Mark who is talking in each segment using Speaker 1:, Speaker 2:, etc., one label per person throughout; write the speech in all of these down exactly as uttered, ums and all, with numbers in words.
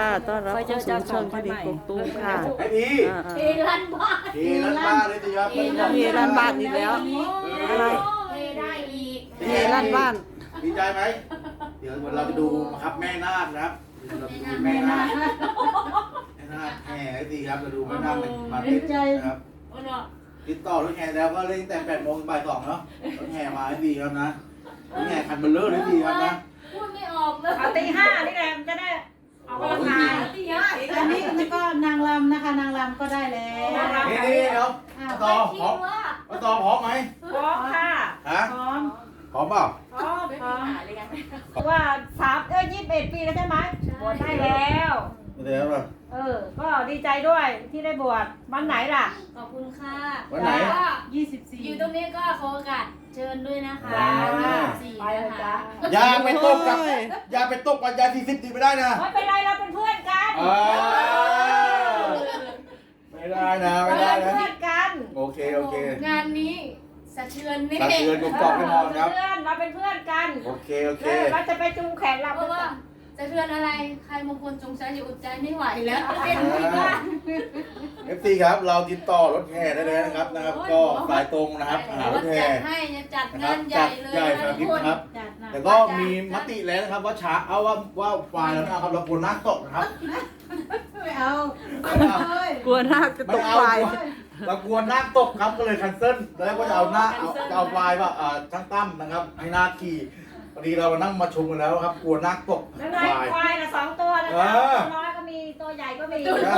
Speaker 1: ต้อนรับเข้าสู่ช่องคดีกกตูมค่ะ
Speaker 2: ไอ้พี่
Speaker 3: เฮลันบ้าน
Speaker 2: เฮลันบ้าเลยสิครับ
Speaker 1: มีร้านบ้านอีกแล้วอะไร
Speaker 3: เฮได้อีก
Speaker 1: มีร้านบ้าน
Speaker 2: ดีใจไหมเดี๋ยวเราจะดูครับแม่นาคนะครับเราจะดูแม่นาคแม่นาคแห่ไอ้สิครับเราดูแม่นาคมาเต้นนะครับ
Speaker 3: โอ้เนาะ
Speaker 2: ติดต่อรถแห่แล้วก็เล่นแต่แปดโมงบ่ายสองเนาะรถแห่มาไอ้สิครับนะรถแห่คันเบลเลอร์ไอ้สิครับนะ
Speaker 3: พูดไม่ออกเลย
Speaker 4: เอาตีห้านี่แหละมันจะได้ออกกำลังกาย
Speaker 3: ตีห้า
Speaker 5: อันนี้นี่ก็นางรำนะคะนางรำก็ได้แล้ว
Speaker 2: นี่นี่เดี๋ยวต่อพร้อมต่อพร้อมไหม
Speaker 4: พร้อมค่ะ
Speaker 2: ฮะ
Speaker 5: พร้อม
Speaker 2: พร้อมเปล่า
Speaker 4: พร้อม
Speaker 3: ไม่
Speaker 4: พร้อม
Speaker 3: หาเลยกัน
Speaker 4: ว่าสามเอ้ยยี่สิบเอ็ดปีแล้วใช่ไหมบวชได้แล้ว
Speaker 2: เดี๋ยวป่ะ
Speaker 4: เออ ก็ดีใจด้วยที่ได้บวชวันไหนล่ะ
Speaker 3: ขอบคุณค่ะ
Speaker 2: วันไหน
Speaker 3: ก็
Speaker 5: ยี่สิบสี่
Speaker 3: อยู่ตรงนี้ก็ขอโอกาสเชิญด้วยนะคะ
Speaker 2: ว้าว
Speaker 3: สี่
Speaker 4: ไปเลย
Speaker 3: นะ
Speaker 4: จ้ะ
Speaker 3: คะ
Speaker 2: อย่าไปตกกับอย่าไปตกกับยาสี่สิบดีไม่ได้นะ
Speaker 4: ไม่เป็นไรเราเป็นเพื่อนกัน
Speaker 2: อ่าไม่ได้นะไม่
Speaker 4: เรา
Speaker 2: ได้
Speaker 4: เป็น
Speaker 2: นะ
Speaker 4: เพื่อนกัน
Speaker 2: โอเคโอเค
Speaker 3: งานนี้สะเทือนแน่
Speaker 2: สะเทือนกกอกแน่นอนครับ
Speaker 4: เพื่อนเราเป็นเพื่อนกัน
Speaker 2: โอเคโอเค
Speaker 4: เออเราจะไปจูงแขนเรา
Speaker 3: เพราะว่าสะเทือนอะไร ใครมงคลจงใจอยู่อดใจไม่ไหวแล้วเป็นไม่ได้
Speaker 2: เอฟซีครับเราติดต่อรถแห่ได้เลยนะครับนะครับ ก็สายตรงนะครับหารถแห่
Speaker 3: จัดให้จะจัด
Speaker 2: นะครั
Speaker 3: งา
Speaker 2: บ
Speaker 3: นให
Speaker 2: จั
Speaker 3: ญ่
Speaker 2: ด
Speaker 3: เลย
Speaker 2: ใหญ่สารพิษนะครับ
Speaker 5: จัดนะ
Speaker 2: แต่ก็มีมติแล้วนะครับว่าช้าเอาว่าว่าไฟล์แล้วนะครับเราควรนักตกนะครับ
Speaker 5: ไม่เอา
Speaker 2: ไม่เอา
Speaker 5: เอ้ย
Speaker 1: กลัวนาคจะต
Speaker 2: ไม่
Speaker 1: ก
Speaker 2: เอา
Speaker 1: ไฟ
Speaker 2: เรากลัวนักตกครับก็เลยคันเซิลแล้วก็จะเอาหน้าเอาจะเอาไฟล์ว่าอ่าช่างตั้มนะครับให้หน้าขี่พอดีเรามานั่งมาชมกันแล้วครับกลัวนักตก
Speaker 4: แล้วไง
Speaker 2: ไฟล์
Speaker 4: ควายละสองตัวนะ
Speaker 2: เอ
Speaker 4: คะ
Speaker 2: อ
Speaker 4: ตัวน้อยก็มีตัวใหญ่ก็มี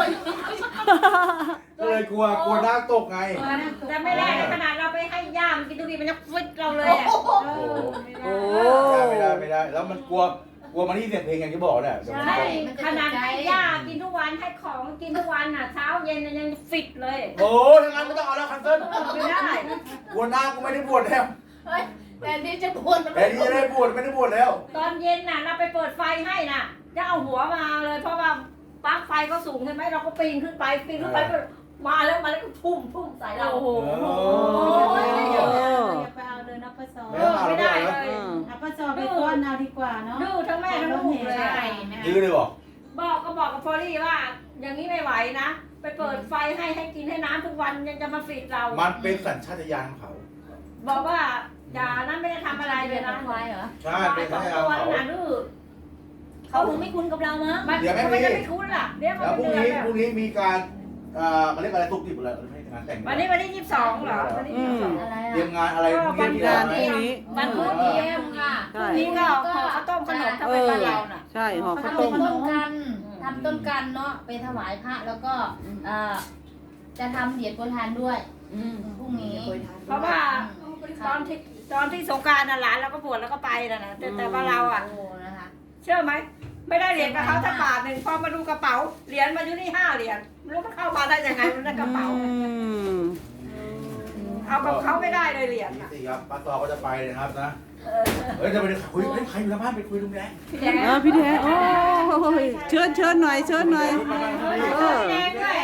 Speaker 2: ก็เลยกลัวกลัวนักตกไง
Speaker 4: แต่ไม่ได้ขนาดเราไปให้ย่ามกินดูดีมันจะฟิตเราเลยอ่ะ
Speaker 5: เอ
Speaker 2: โอ้
Speaker 5: อ
Speaker 2: โห
Speaker 5: ไม่
Speaker 2: ไม่
Speaker 5: ได้
Speaker 2: ได้ไม่ได้ไม่ได้ แล้วมันกลัวกลัวมันที่เสียงเพลงอย่างที่บอกเนี่ยเดี๋ยวมัน
Speaker 4: ใช่
Speaker 2: จะ
Speaker 4: ขนาดให้ย่ากินทุกวันให้ของกินทุกวันอ่ะเช้าเย็นยังฟิตเลย
Speaker 2: โอ้ถ้างั้นไม่ต้องเอาแล้วคันเซิล
Speaker 4: ไม่ได้
Speaker 2: กลัวนักกูไม่ได้บวชแล้ว
Speaker 3: เฮ้ยแต่นี่จะปวด
Speaker 2: แต่ที่จะได้บวชไม่ได้บวชแล้ว
Speaker 4: ตอนเย็นน่ะเราไปเปิดไฟให้น่ะจะเอาหัวมาเลยเพราะว่าปลั๊กไฟก็สูงใช่ไหมเราก็ปีนขึ้นไปปีนขึ้นไปก็มาแล้วมาแล้วก็ทุ่มทุ่มใส่เราโอ้โห
Speaker 5: อย่าไปเอาเลยนะป้าซอ
Speaker 2: ไม่ต้องเอา
Speaker 4: ไม่
Speaker 2: แล้ว
Speaker 4: ได้
Speaker 2: ไม่
Speaker 4: เล
Speaker 2: เอาแล้ว
Speaker 4: ย
Speaker 5: เอาป้าซอไปก้อนเอาดีกว่าเนาะ
Speaker 4: ดื้อทั้งแม่ทั้งลูกเลย
Speaker 2: ดื้อเลยบอก
Speaker 4: บอกก็บอกกับพอลี่ว่า อย่างนี้ไม่ไหวนะ ไปเปิดไฟให้ให้กินให้น้ำทุกวันยังจะมาฟีดเรา
Speaker 2: มันเป็นสัญชาตญาณของเขา
Speaker 4: บอกว่าอย่านั้นไม่ได้ทำอะไรเลยนะ
Speaker 3: ควายเหรอ
Speaker 2: ใช่เป็นสัญชาตญาณ
Speaker 4: ตั
Speaker 2: ข
Speaker 4: ว
Speaker 2: องเขา
Speaker 4: น่ะดื้อ
Speaker 3: เขาคงไม่คุ้นกับเรามั้ง
Speaker 4: มัน
Speaker 2: เดี๋ยวแม่
Speaker 4: ทำไม
Speaker 2: พี่
Speaker 4: จะไม่คุ้นล่ะเดี๋ยวมัน
Speaker 2: แล้วพรุ่ง
Speaker 4: เดือน
Speaker 2: นี้
Speaker 4: แล้ว
Speaker 2: พรุ่งนี้มีการเอ่อมาเรียกอะไรตุกติบอะไรไม่ใช่งานแต่ง
Speaker 4: วันนี้วันที่ยี่สิบสองเหรอวันที่ยี่สิบสอง
Speaker 3: อะไร
Speaker 2: เตรีย
Speaker 3: อ่ะ
Speaker 2: มงานอะไรพรุ่งนี้มี
Speaker 1: งาน
Speaker 2: ไหม
Speaker 1: พรุ่งนี้
Speaker 4: วันพุธ
Speaker 3: เยี่ยมค่ะ
Speaker 1: ใช่
Speaker 4: นี่ก็ห่อข้าวต้มขนมถ้าเป็นบ้านเราน่ะ
Speaker 1: ใช่ห่อข้าว
Speaker 3: ทำ
Speaker 1: ต้ม
Speaker 3: ต้นกันทำต้นกันเนาะไปถวายพระแล้วก็เอ่อจะทำเหรียญโปรยทานด้วยพรุ่งนี้
Speaker 4: เพราะว่าตอนที่ตอนที่สงกรารน่ะหลานเราก็บวชแล้วก็ไปน่ะนะแต่แต่ว่าเราอ่ะ
Speaker 3: โอ้นะคะ
Speaker 4: เชื่อไหมไม่ได้เหรียญกับเขาสักบาทหนึ่งพอมาดูกระเป๋าเหรียญมาอยู่นี่ห้าเหรียญไม่รู้มันเข้ามาได้ยังไงมันในกระเป๋า
Speaker 1: อืม
Speaker 4: เอากับเขาไม่ได้เลยเหรียญ
Speaker 2: นี่
Speaker 4: อ่ะ
Speaker 2: สิครับป้าตอก็จะไปนะครับนะเฮ้ยจะไปคุยเฮ้ยใครอยู่ในบ้านไปคุยลุงแดง
Speaker 4: พี่แดง
Speaker 1: เออพี่แท้โอ้ยเชิญเชิญหน่อยเชิญหน่อยเออ
Speaker 4: พี่แดงด้วย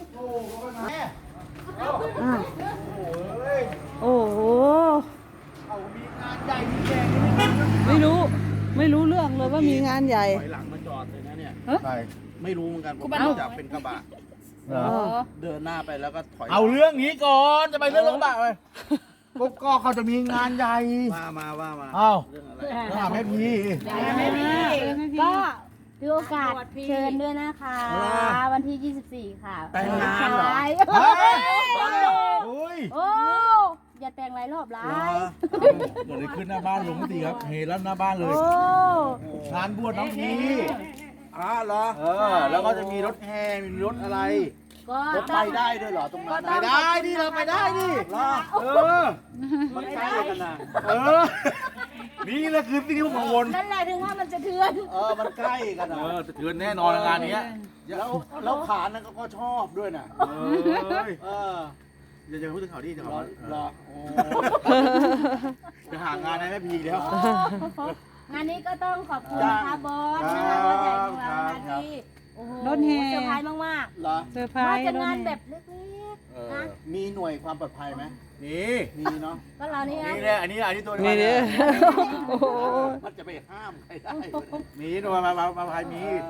Speaker 1: อ่ะ
Speaker 2: โอ้ย
Speaker 1: โอ้โห
Speaker 2: เอามีงานใหญ่มีแดงนี่
Speaker 1: ไม่รู้ไม่รู้เรื่องเลยว่ามีงานใหญ่
Speaker 6: ถอยหลังมาจอดเลยนะเนี่ย
Speaker 2: ใช่
Speaker 6: ไม่รู้เหมือนกันผมจะเป็นกระบะ
Speaker 2: เหรอ
Speaker 6: เดินหน้าไปแล้วก็ถอย
Speaker 2: เอาเรื่องนี้ก่อนจะไปเรื่องรถกระบะเลยกบก็เขาจะมีงานใหญ่
Speaker 6: ว่ามาว่ามา
Speaker 2: อ้าว
Speaker 6: เรื่องอะไร
Speaker 2: ถามแม่พี่
Speaker 4: ไม่มี
Speaker 7: ก็ถือโอกาสเชิญด้วยนะคะ วันที่ ยี่สิบสี่ ค่ะ
Speaker 2: แต่งงานเหรอ
Speaker 7: ใช่
Speaker 2: เฮ้ยโอ้ย
Speaker 7: โอ้อย่าแต่งหลายรอบหลาย
Speaker 2: เกิดอะไรขึ้นหน้าบ้านลุงตีครับเฮลั่นหน้าบ้านเลย
Speaker 7: โอ้
Speaker 2: งานบวชน้องพี
Speaker 6: อ๋อเหรอ
Speaker 2: เออ แล้วก็จะมีรถแห่มีรถอะไร
Speaker 7: ก็
Speaker 6: รถไปได้ด้วยเหรอตรงนั้น
Speaker 2: ไปได้ดิเราไปได้ดิ
Speaker 6: เหรอ
Speaker 2: เออ
Speaker 6: มันใกล้กันนะ
Speaker 2: เออ นี่แหละคือสิ่งที่ผมกังวล
Speaker 7: นั่นแหละถึงว่ามันจะเทือน
Speaker 6: เออมันใกล้กัน
Speaker 2: เอ
Speaker 6: นะ
Speaker 2: อจะเถือนแน่นอนงานนี้
Speaker 6: แล้วแล้วขานั้นก็ชอบด้วยนะ
Speaker 2: เอ้ย
Speaker 6: เออ
Speaker 2: อย่าจะพูดถึงเขาดิเดี๋ยว
Speaker 6: เหร
Speaker 2: เขา
Speaker 6: อเหรอโอ้
Speaker 2: จะหางานให้แม่พีแล้ว
Speaker 7: งานนี้ก็ต้องขอบคุณนะคะบอสนะคะรถใหญ่ของเรานะคะที่โอ้โห
Speaker 1: รถแห่
Speaker 7: เซอร์ไพรส์มาก
Speaker 6: เหรอ
Speaker 1: เซอร์ไพร
Speaker 7: ๆมา
Speaker 1: ส์
Speaker 7: จากงาน
Speaker 1: รถ
Speaker 7: แบ
Speaker 1: แห่
Speaker 7: บเล็ก
Speaker 2: เอ
Speaker 7: ๆ
Speaker 2: อ
Speaker 7: นะ
Speaker 6: มีหน่วยความปลอดภัยไหม
Speaker 2: นี่
Speaker 6: มีเนาะ
Speaker 7: ก็เรานี่ไง
Speaker 2: นี่แหละอันนี้อันนี้ตัว
Speaker 1: นี่ดิโอ้โห
Speaker 6: มันจะไปห้ามใครได้
Speaker 2: มีหน่วยมามามาพายมี
Speaker 6: เออ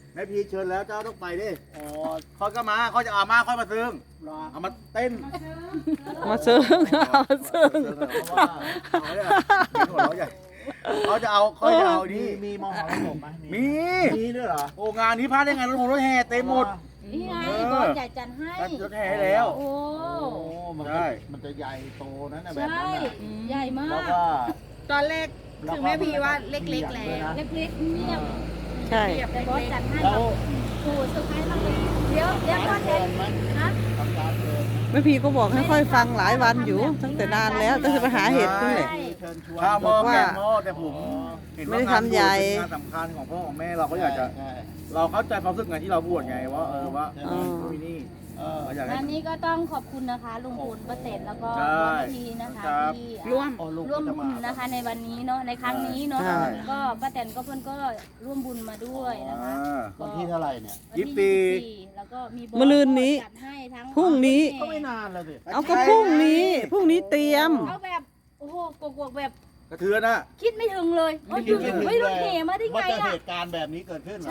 Speaker 2: แม่พีเชิญแล้วเจ้าต้องไปดิ
Speaker 6: อ๋อ
Speaker 2: เขาก็มาเขาจะเอามาค่อยมาซึ้ง
Speaker 6: รอ
Speaker 2: เอามาเต้น
Speaker 1: มาซึ้งเอาซึ้ง
Speaker 2: เพราะว่าเอาเนี่ยเป็นหัวเราะใหญ่เขาจะเอาเขาจะเอา
Speaker 6: มี
Speaker 2: นี่
Speaker 6: มีมอหอผมไหม
Speaker 2: มี
Speaker 6: มีด้วยเหรอ
Speaker 2: โอ้งานนี้พลาดได้ไงรถผมรถแห่เต็มหมด
Speaker 7: นี่ไง
Speaker 2: เออ
Speaker 7: บอสใหญ่จัดให้
Speaker 2: รถแห่แล้ว
Speaker 7: โอ้
Speaker 6: โอ้มัน
Speaker 2: ใช่
Speaker 6: จะมันจะใหญ่โตนั่นนะแบ
Speaker 7: ใช่
Speaker 6: บนั้นน่ะ
Speaker 7: ใหญ่มา
Speaker 6: แล้ว
Speaker 7: ก
Speaker 6: ก็
Speaker 5: ตอนแรกถึงแม่พีว่าเล็กๆแล้ว
Speaker 7: เล็กๆเนี่ย
Speaker 1: ใช่
Speaker 7: แต่บอสจัดให้
Speaker 6: แล้ว
Speaker 7: โอ้เซอร์ไพรส์มากเลยเดี๋ยวเดี๋ยวก่อนเห็นฮะ
Speaker 6: ทำการเดิน
Speaker 1: แม่พีก็บอกให้ค่อยฟังหลายวันอยู่ตั้งแต่นานแล้วตั้งแต่ไปหาเห็ดนี่แหละ
Speaker 6: เชิญชวน
Speaker 2: ข้าวหม้อ
Speaker 1: บอกว่า
Speaker 2: แกงหม้อแต่ผมเห็น
Speaker 1: ไม่
Speaker 2: ว่า
Speaker 1: ได้
Speaker 2: งาน
Speaker 1: ทำใหญ่
Speaker 2: เป็นงานสำคัญของพ่อของแม่เราก็อยากจะ
Speaker 6: ใช่
Speaker 2: เราเข้าใจความรู้สึกไงที่เราบวชไงว่าเออว่า
Speaker 1: อ๋อ
Speaker 2: ที่นี่
Speaker 6: เออ
Speaker 2: เราอยากให้
Speaker 7: อันนี้ก็ต้องขอบคุณนะคะลุงพลป้าเต็นแล้วก็
Speaker 2: ใช่
Speaker 7: บอสทีนะคะ
Speaker 2: ครับ
Speaker 7: ที่
Speaker 5: ร่วม
Speaker 6: โอ้ลูก
Speaker 7: ร่วม
Speaker 6: ก็จะ
Speaker 7: บุ
Speaker 6: มา
Speaker 7: ญนะคะในวันนี้เนาะในครั้งนี้เนาะ
Speaker 1: ใช่
Speaker 7: ก็ป้าแตนก็เพื่อนก็ร่วมบุญมาด้วยนะคะ
Speaker 2: อ่า
Speaker 6: วันที่เท่าไหร่เนี่ย
Speaker 7: วันที่
Speaker 2: ยี่สิบสี่
Speaker 7: ยี่สิบสี่แล้วก็มีบอส
Speaker 1: มะรืนนี้
Speaker 7: จัดให้ทั้ง
Speaker 1: พรุ่งนี้
Speaker 6: ก็ไม่นานแล้วสิ
Speaker 1: เอาก็พรุ่งนี้พรุ่งนี้เตรียม
Speaker 7: เอาแบบโอ้โหกวกๆแบบ
Speaker 2: กระเทือนอ่ะ
Speaker 7: คิดไม่ถึงเลย
Speaker 6: ไม่
Speaker 7: ว่า
Speaker 6: คิดไม่ถึง
Speaker 7: ไม่รถเหมาได้ไง
Speaker 6: ว่าจะ
Speaker 7: อ่ะ
Speaker 6: เหตุการณ์แบบนี้เกิดขึ้นเหรอ
Speaker 7: ใช่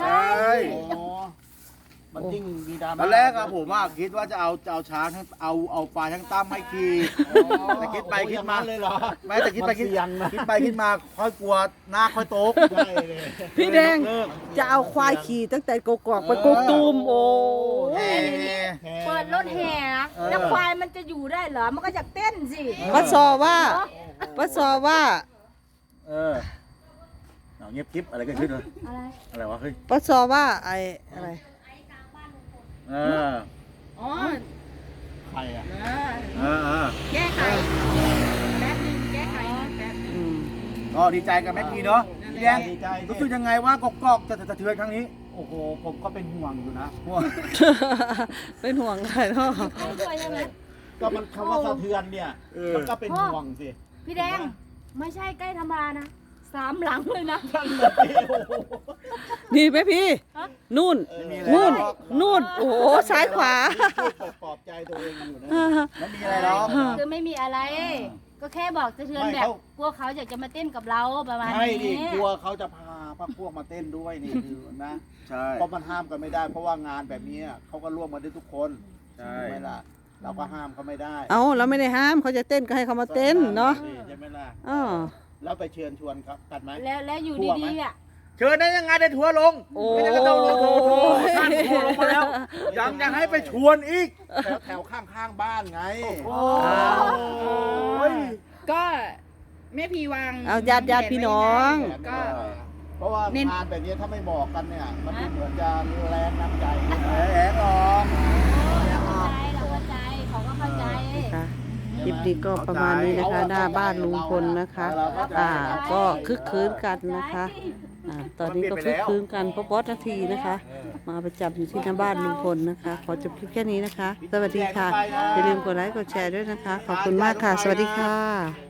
Speaker 6: อ๋อมันยิ่งมีดราม่า
Speaker 2: ตอนแรกอะผมว่าคิดว่าจะเอาจะเอาช้างทั้งเอาเอาปลาทั้งตั้มให้ขี่แต่คิดไปคิดมา
Speaker 6: โอ้ยอย่างนั้นเลยเหรอ
Speaker 2: ไม่แต่คิดไปคิด
Speaker 6: มันเสี่ยงนะ
Speaker 2: คิดไปคิดมาค่อยกลัวหน้าค่อยโต๊ก
Speaker 6: ใช่เลย
Speaker 1: พี่แดง
Speaker 2: เลิก
Speaker 1: จะเอาควายขี่ตั้งแต่กกอกไปกกตูมโอ้
Speaker 2: แห่
Speaker 7: เปิดรถแห่นะ
Speaker 2: เออ
Speaker 7: แล้วควายมันจะอยู่ได้เหรอ มันก็จะเต้นสิ
Speaker 1: ป้าซอว่าป้าซอว่า
Speaker 2: เออเอาเงียบกิ๊บอะไรกันขึ้นวะ
Speaker 7: อะไร
Speaker 2: อะไรวะเฮ้ย
Speaker 1: ป้าซอว่าไอ้อะไร
Speaker 2: เออ
Speaker 5: อ๋อ
Speaker 6: ใครอ่ะ
Speaker 2: เออเออ
Speaker 5: แก้ไขแป๊บนึงแก้ไขแป๊บ
Speaker 1: อืม
Speaker 2: ก็ดีใจกับแม็กกี้เนาะพี่แดง
Speaker 6: ดีใจ
Speaker 2: รู้สึกยังไงว่ากกอกจะสะเทือนครั้งนี้
Speaker 6: โอ้โหผมก็เป็นห่วงอยู่นะ
Speaker 1: เป็นห่วงใครเนาะ
Speaker 7: ให้ด้วยใช่ไหม
Speaker 6: ก็มันคำว่าสะเทือนเนี่ย
Speaker 2: เออ
Speaker 6: มันก็เป็นห่วงสิ
Speaker 7: พี่แดง ไม่ใช่ใกล้ธรรมดานะ สามหลังเลยนะ
Speaker 6: นั่นแหละสิโอ้โห
Speaker 1: นี่ไหมพี่ นู่น
Speaker 6: ไม่มี
Speaker 1: นู่น
Speaker 6: อะไรหรอก
Speaker 1: นู่น โอ้โห ซ้ายขวา
Speaker 6: พูดปลอบใจตัวเองอยู่นะ
Speaker 2: ไม่มีอะไรหรอก
Speaker 7: คือไม่มีอะไร ก็แค่บอกสะเทือน
Speaker 6: ไม่
Speaker 7: แบบ
Speaker 6: เขา
Speaker 7: พวกเขาอยากจะมาเต้นกับเราประมาณ
Speaker 6: ใช่ดิ
Speaker 7: นี้
Speaker 6: กลัวเขาจะพาพวกพวกมาเต้นด้วยนี่คือนะ
Speaker 2: ใช่
Speaker 6: เพราะมันห้ามกันไม่ได้ เพราะว่างานแบบนี้เขาก็ร่วมกันได้ทุกคน
Speaker 2: ใช่
Speaker 6: ไหมล่ะเราก็ห้ามเขาไม่ได้
Speaker 1: เอาเราไม่ได้ห้ามเขาจะเต้นก็ให้เขามาเต้นเนาะ
Speaker 6: ใช่ไหมล่ะ
Speaker 1: อ๋อ
Speaker 6: แล้วไปเชิญชวนครับกันไหม
Speaker 7: แล้วแล้วอยู่
Speaker 6: กลัวไหม
Speaker 7: ดีๆอ่ะ
Speaker 2: เชิญได้ยังไงได้ทัวร์ลง
Speaker 1: โอ้
Speaker 2: ไม่ได้ก็ต้องลงโถโถท่านทัวร์ลงมาแล้วยังยังให้ไปชวนอีก
Speaker 6: แถวแถวข้างข้างๆบ้านไง
Speaker 2: โอ้ย
Speaker 5: ก็แม่พีวาง
Speaker 1: เอาญาติญาติพี่น้อง
Speaker 5: ก็
Speaker 6: เพราะว่า
Speaker 5: เน้น
Speaker 6: งานแบบนี้ถ้าไม่บอกกันเนี่ย มันดูเหมือนจะแรงน้ำใจ
Speaker 2: แหมแหมหรอก
Speaker 7: เราเข้าใจเราเข้าใจเขาก็เข้าใจ
Speaker 1: ค่ะคลิปนี้ก็ประมาณนี้นะคะ หน้าบ้านลุงพลนะคะ อ่า ก็คึกคืนกันนะคะ อ่า ตอนนี้ก็คึกคืนกันเพราะบอสนาทีนะคะ มาประจำอยู่ที่หน้าบ้านลุงพลนะคะ ขอจบคลิปแค่นี้นะคะ สวัสดีค่ะ อย่าลืมกดไลค์กดแชร์ด้วยนะคะ ขอบคุณมากค่ะ สวัสดีค่ะ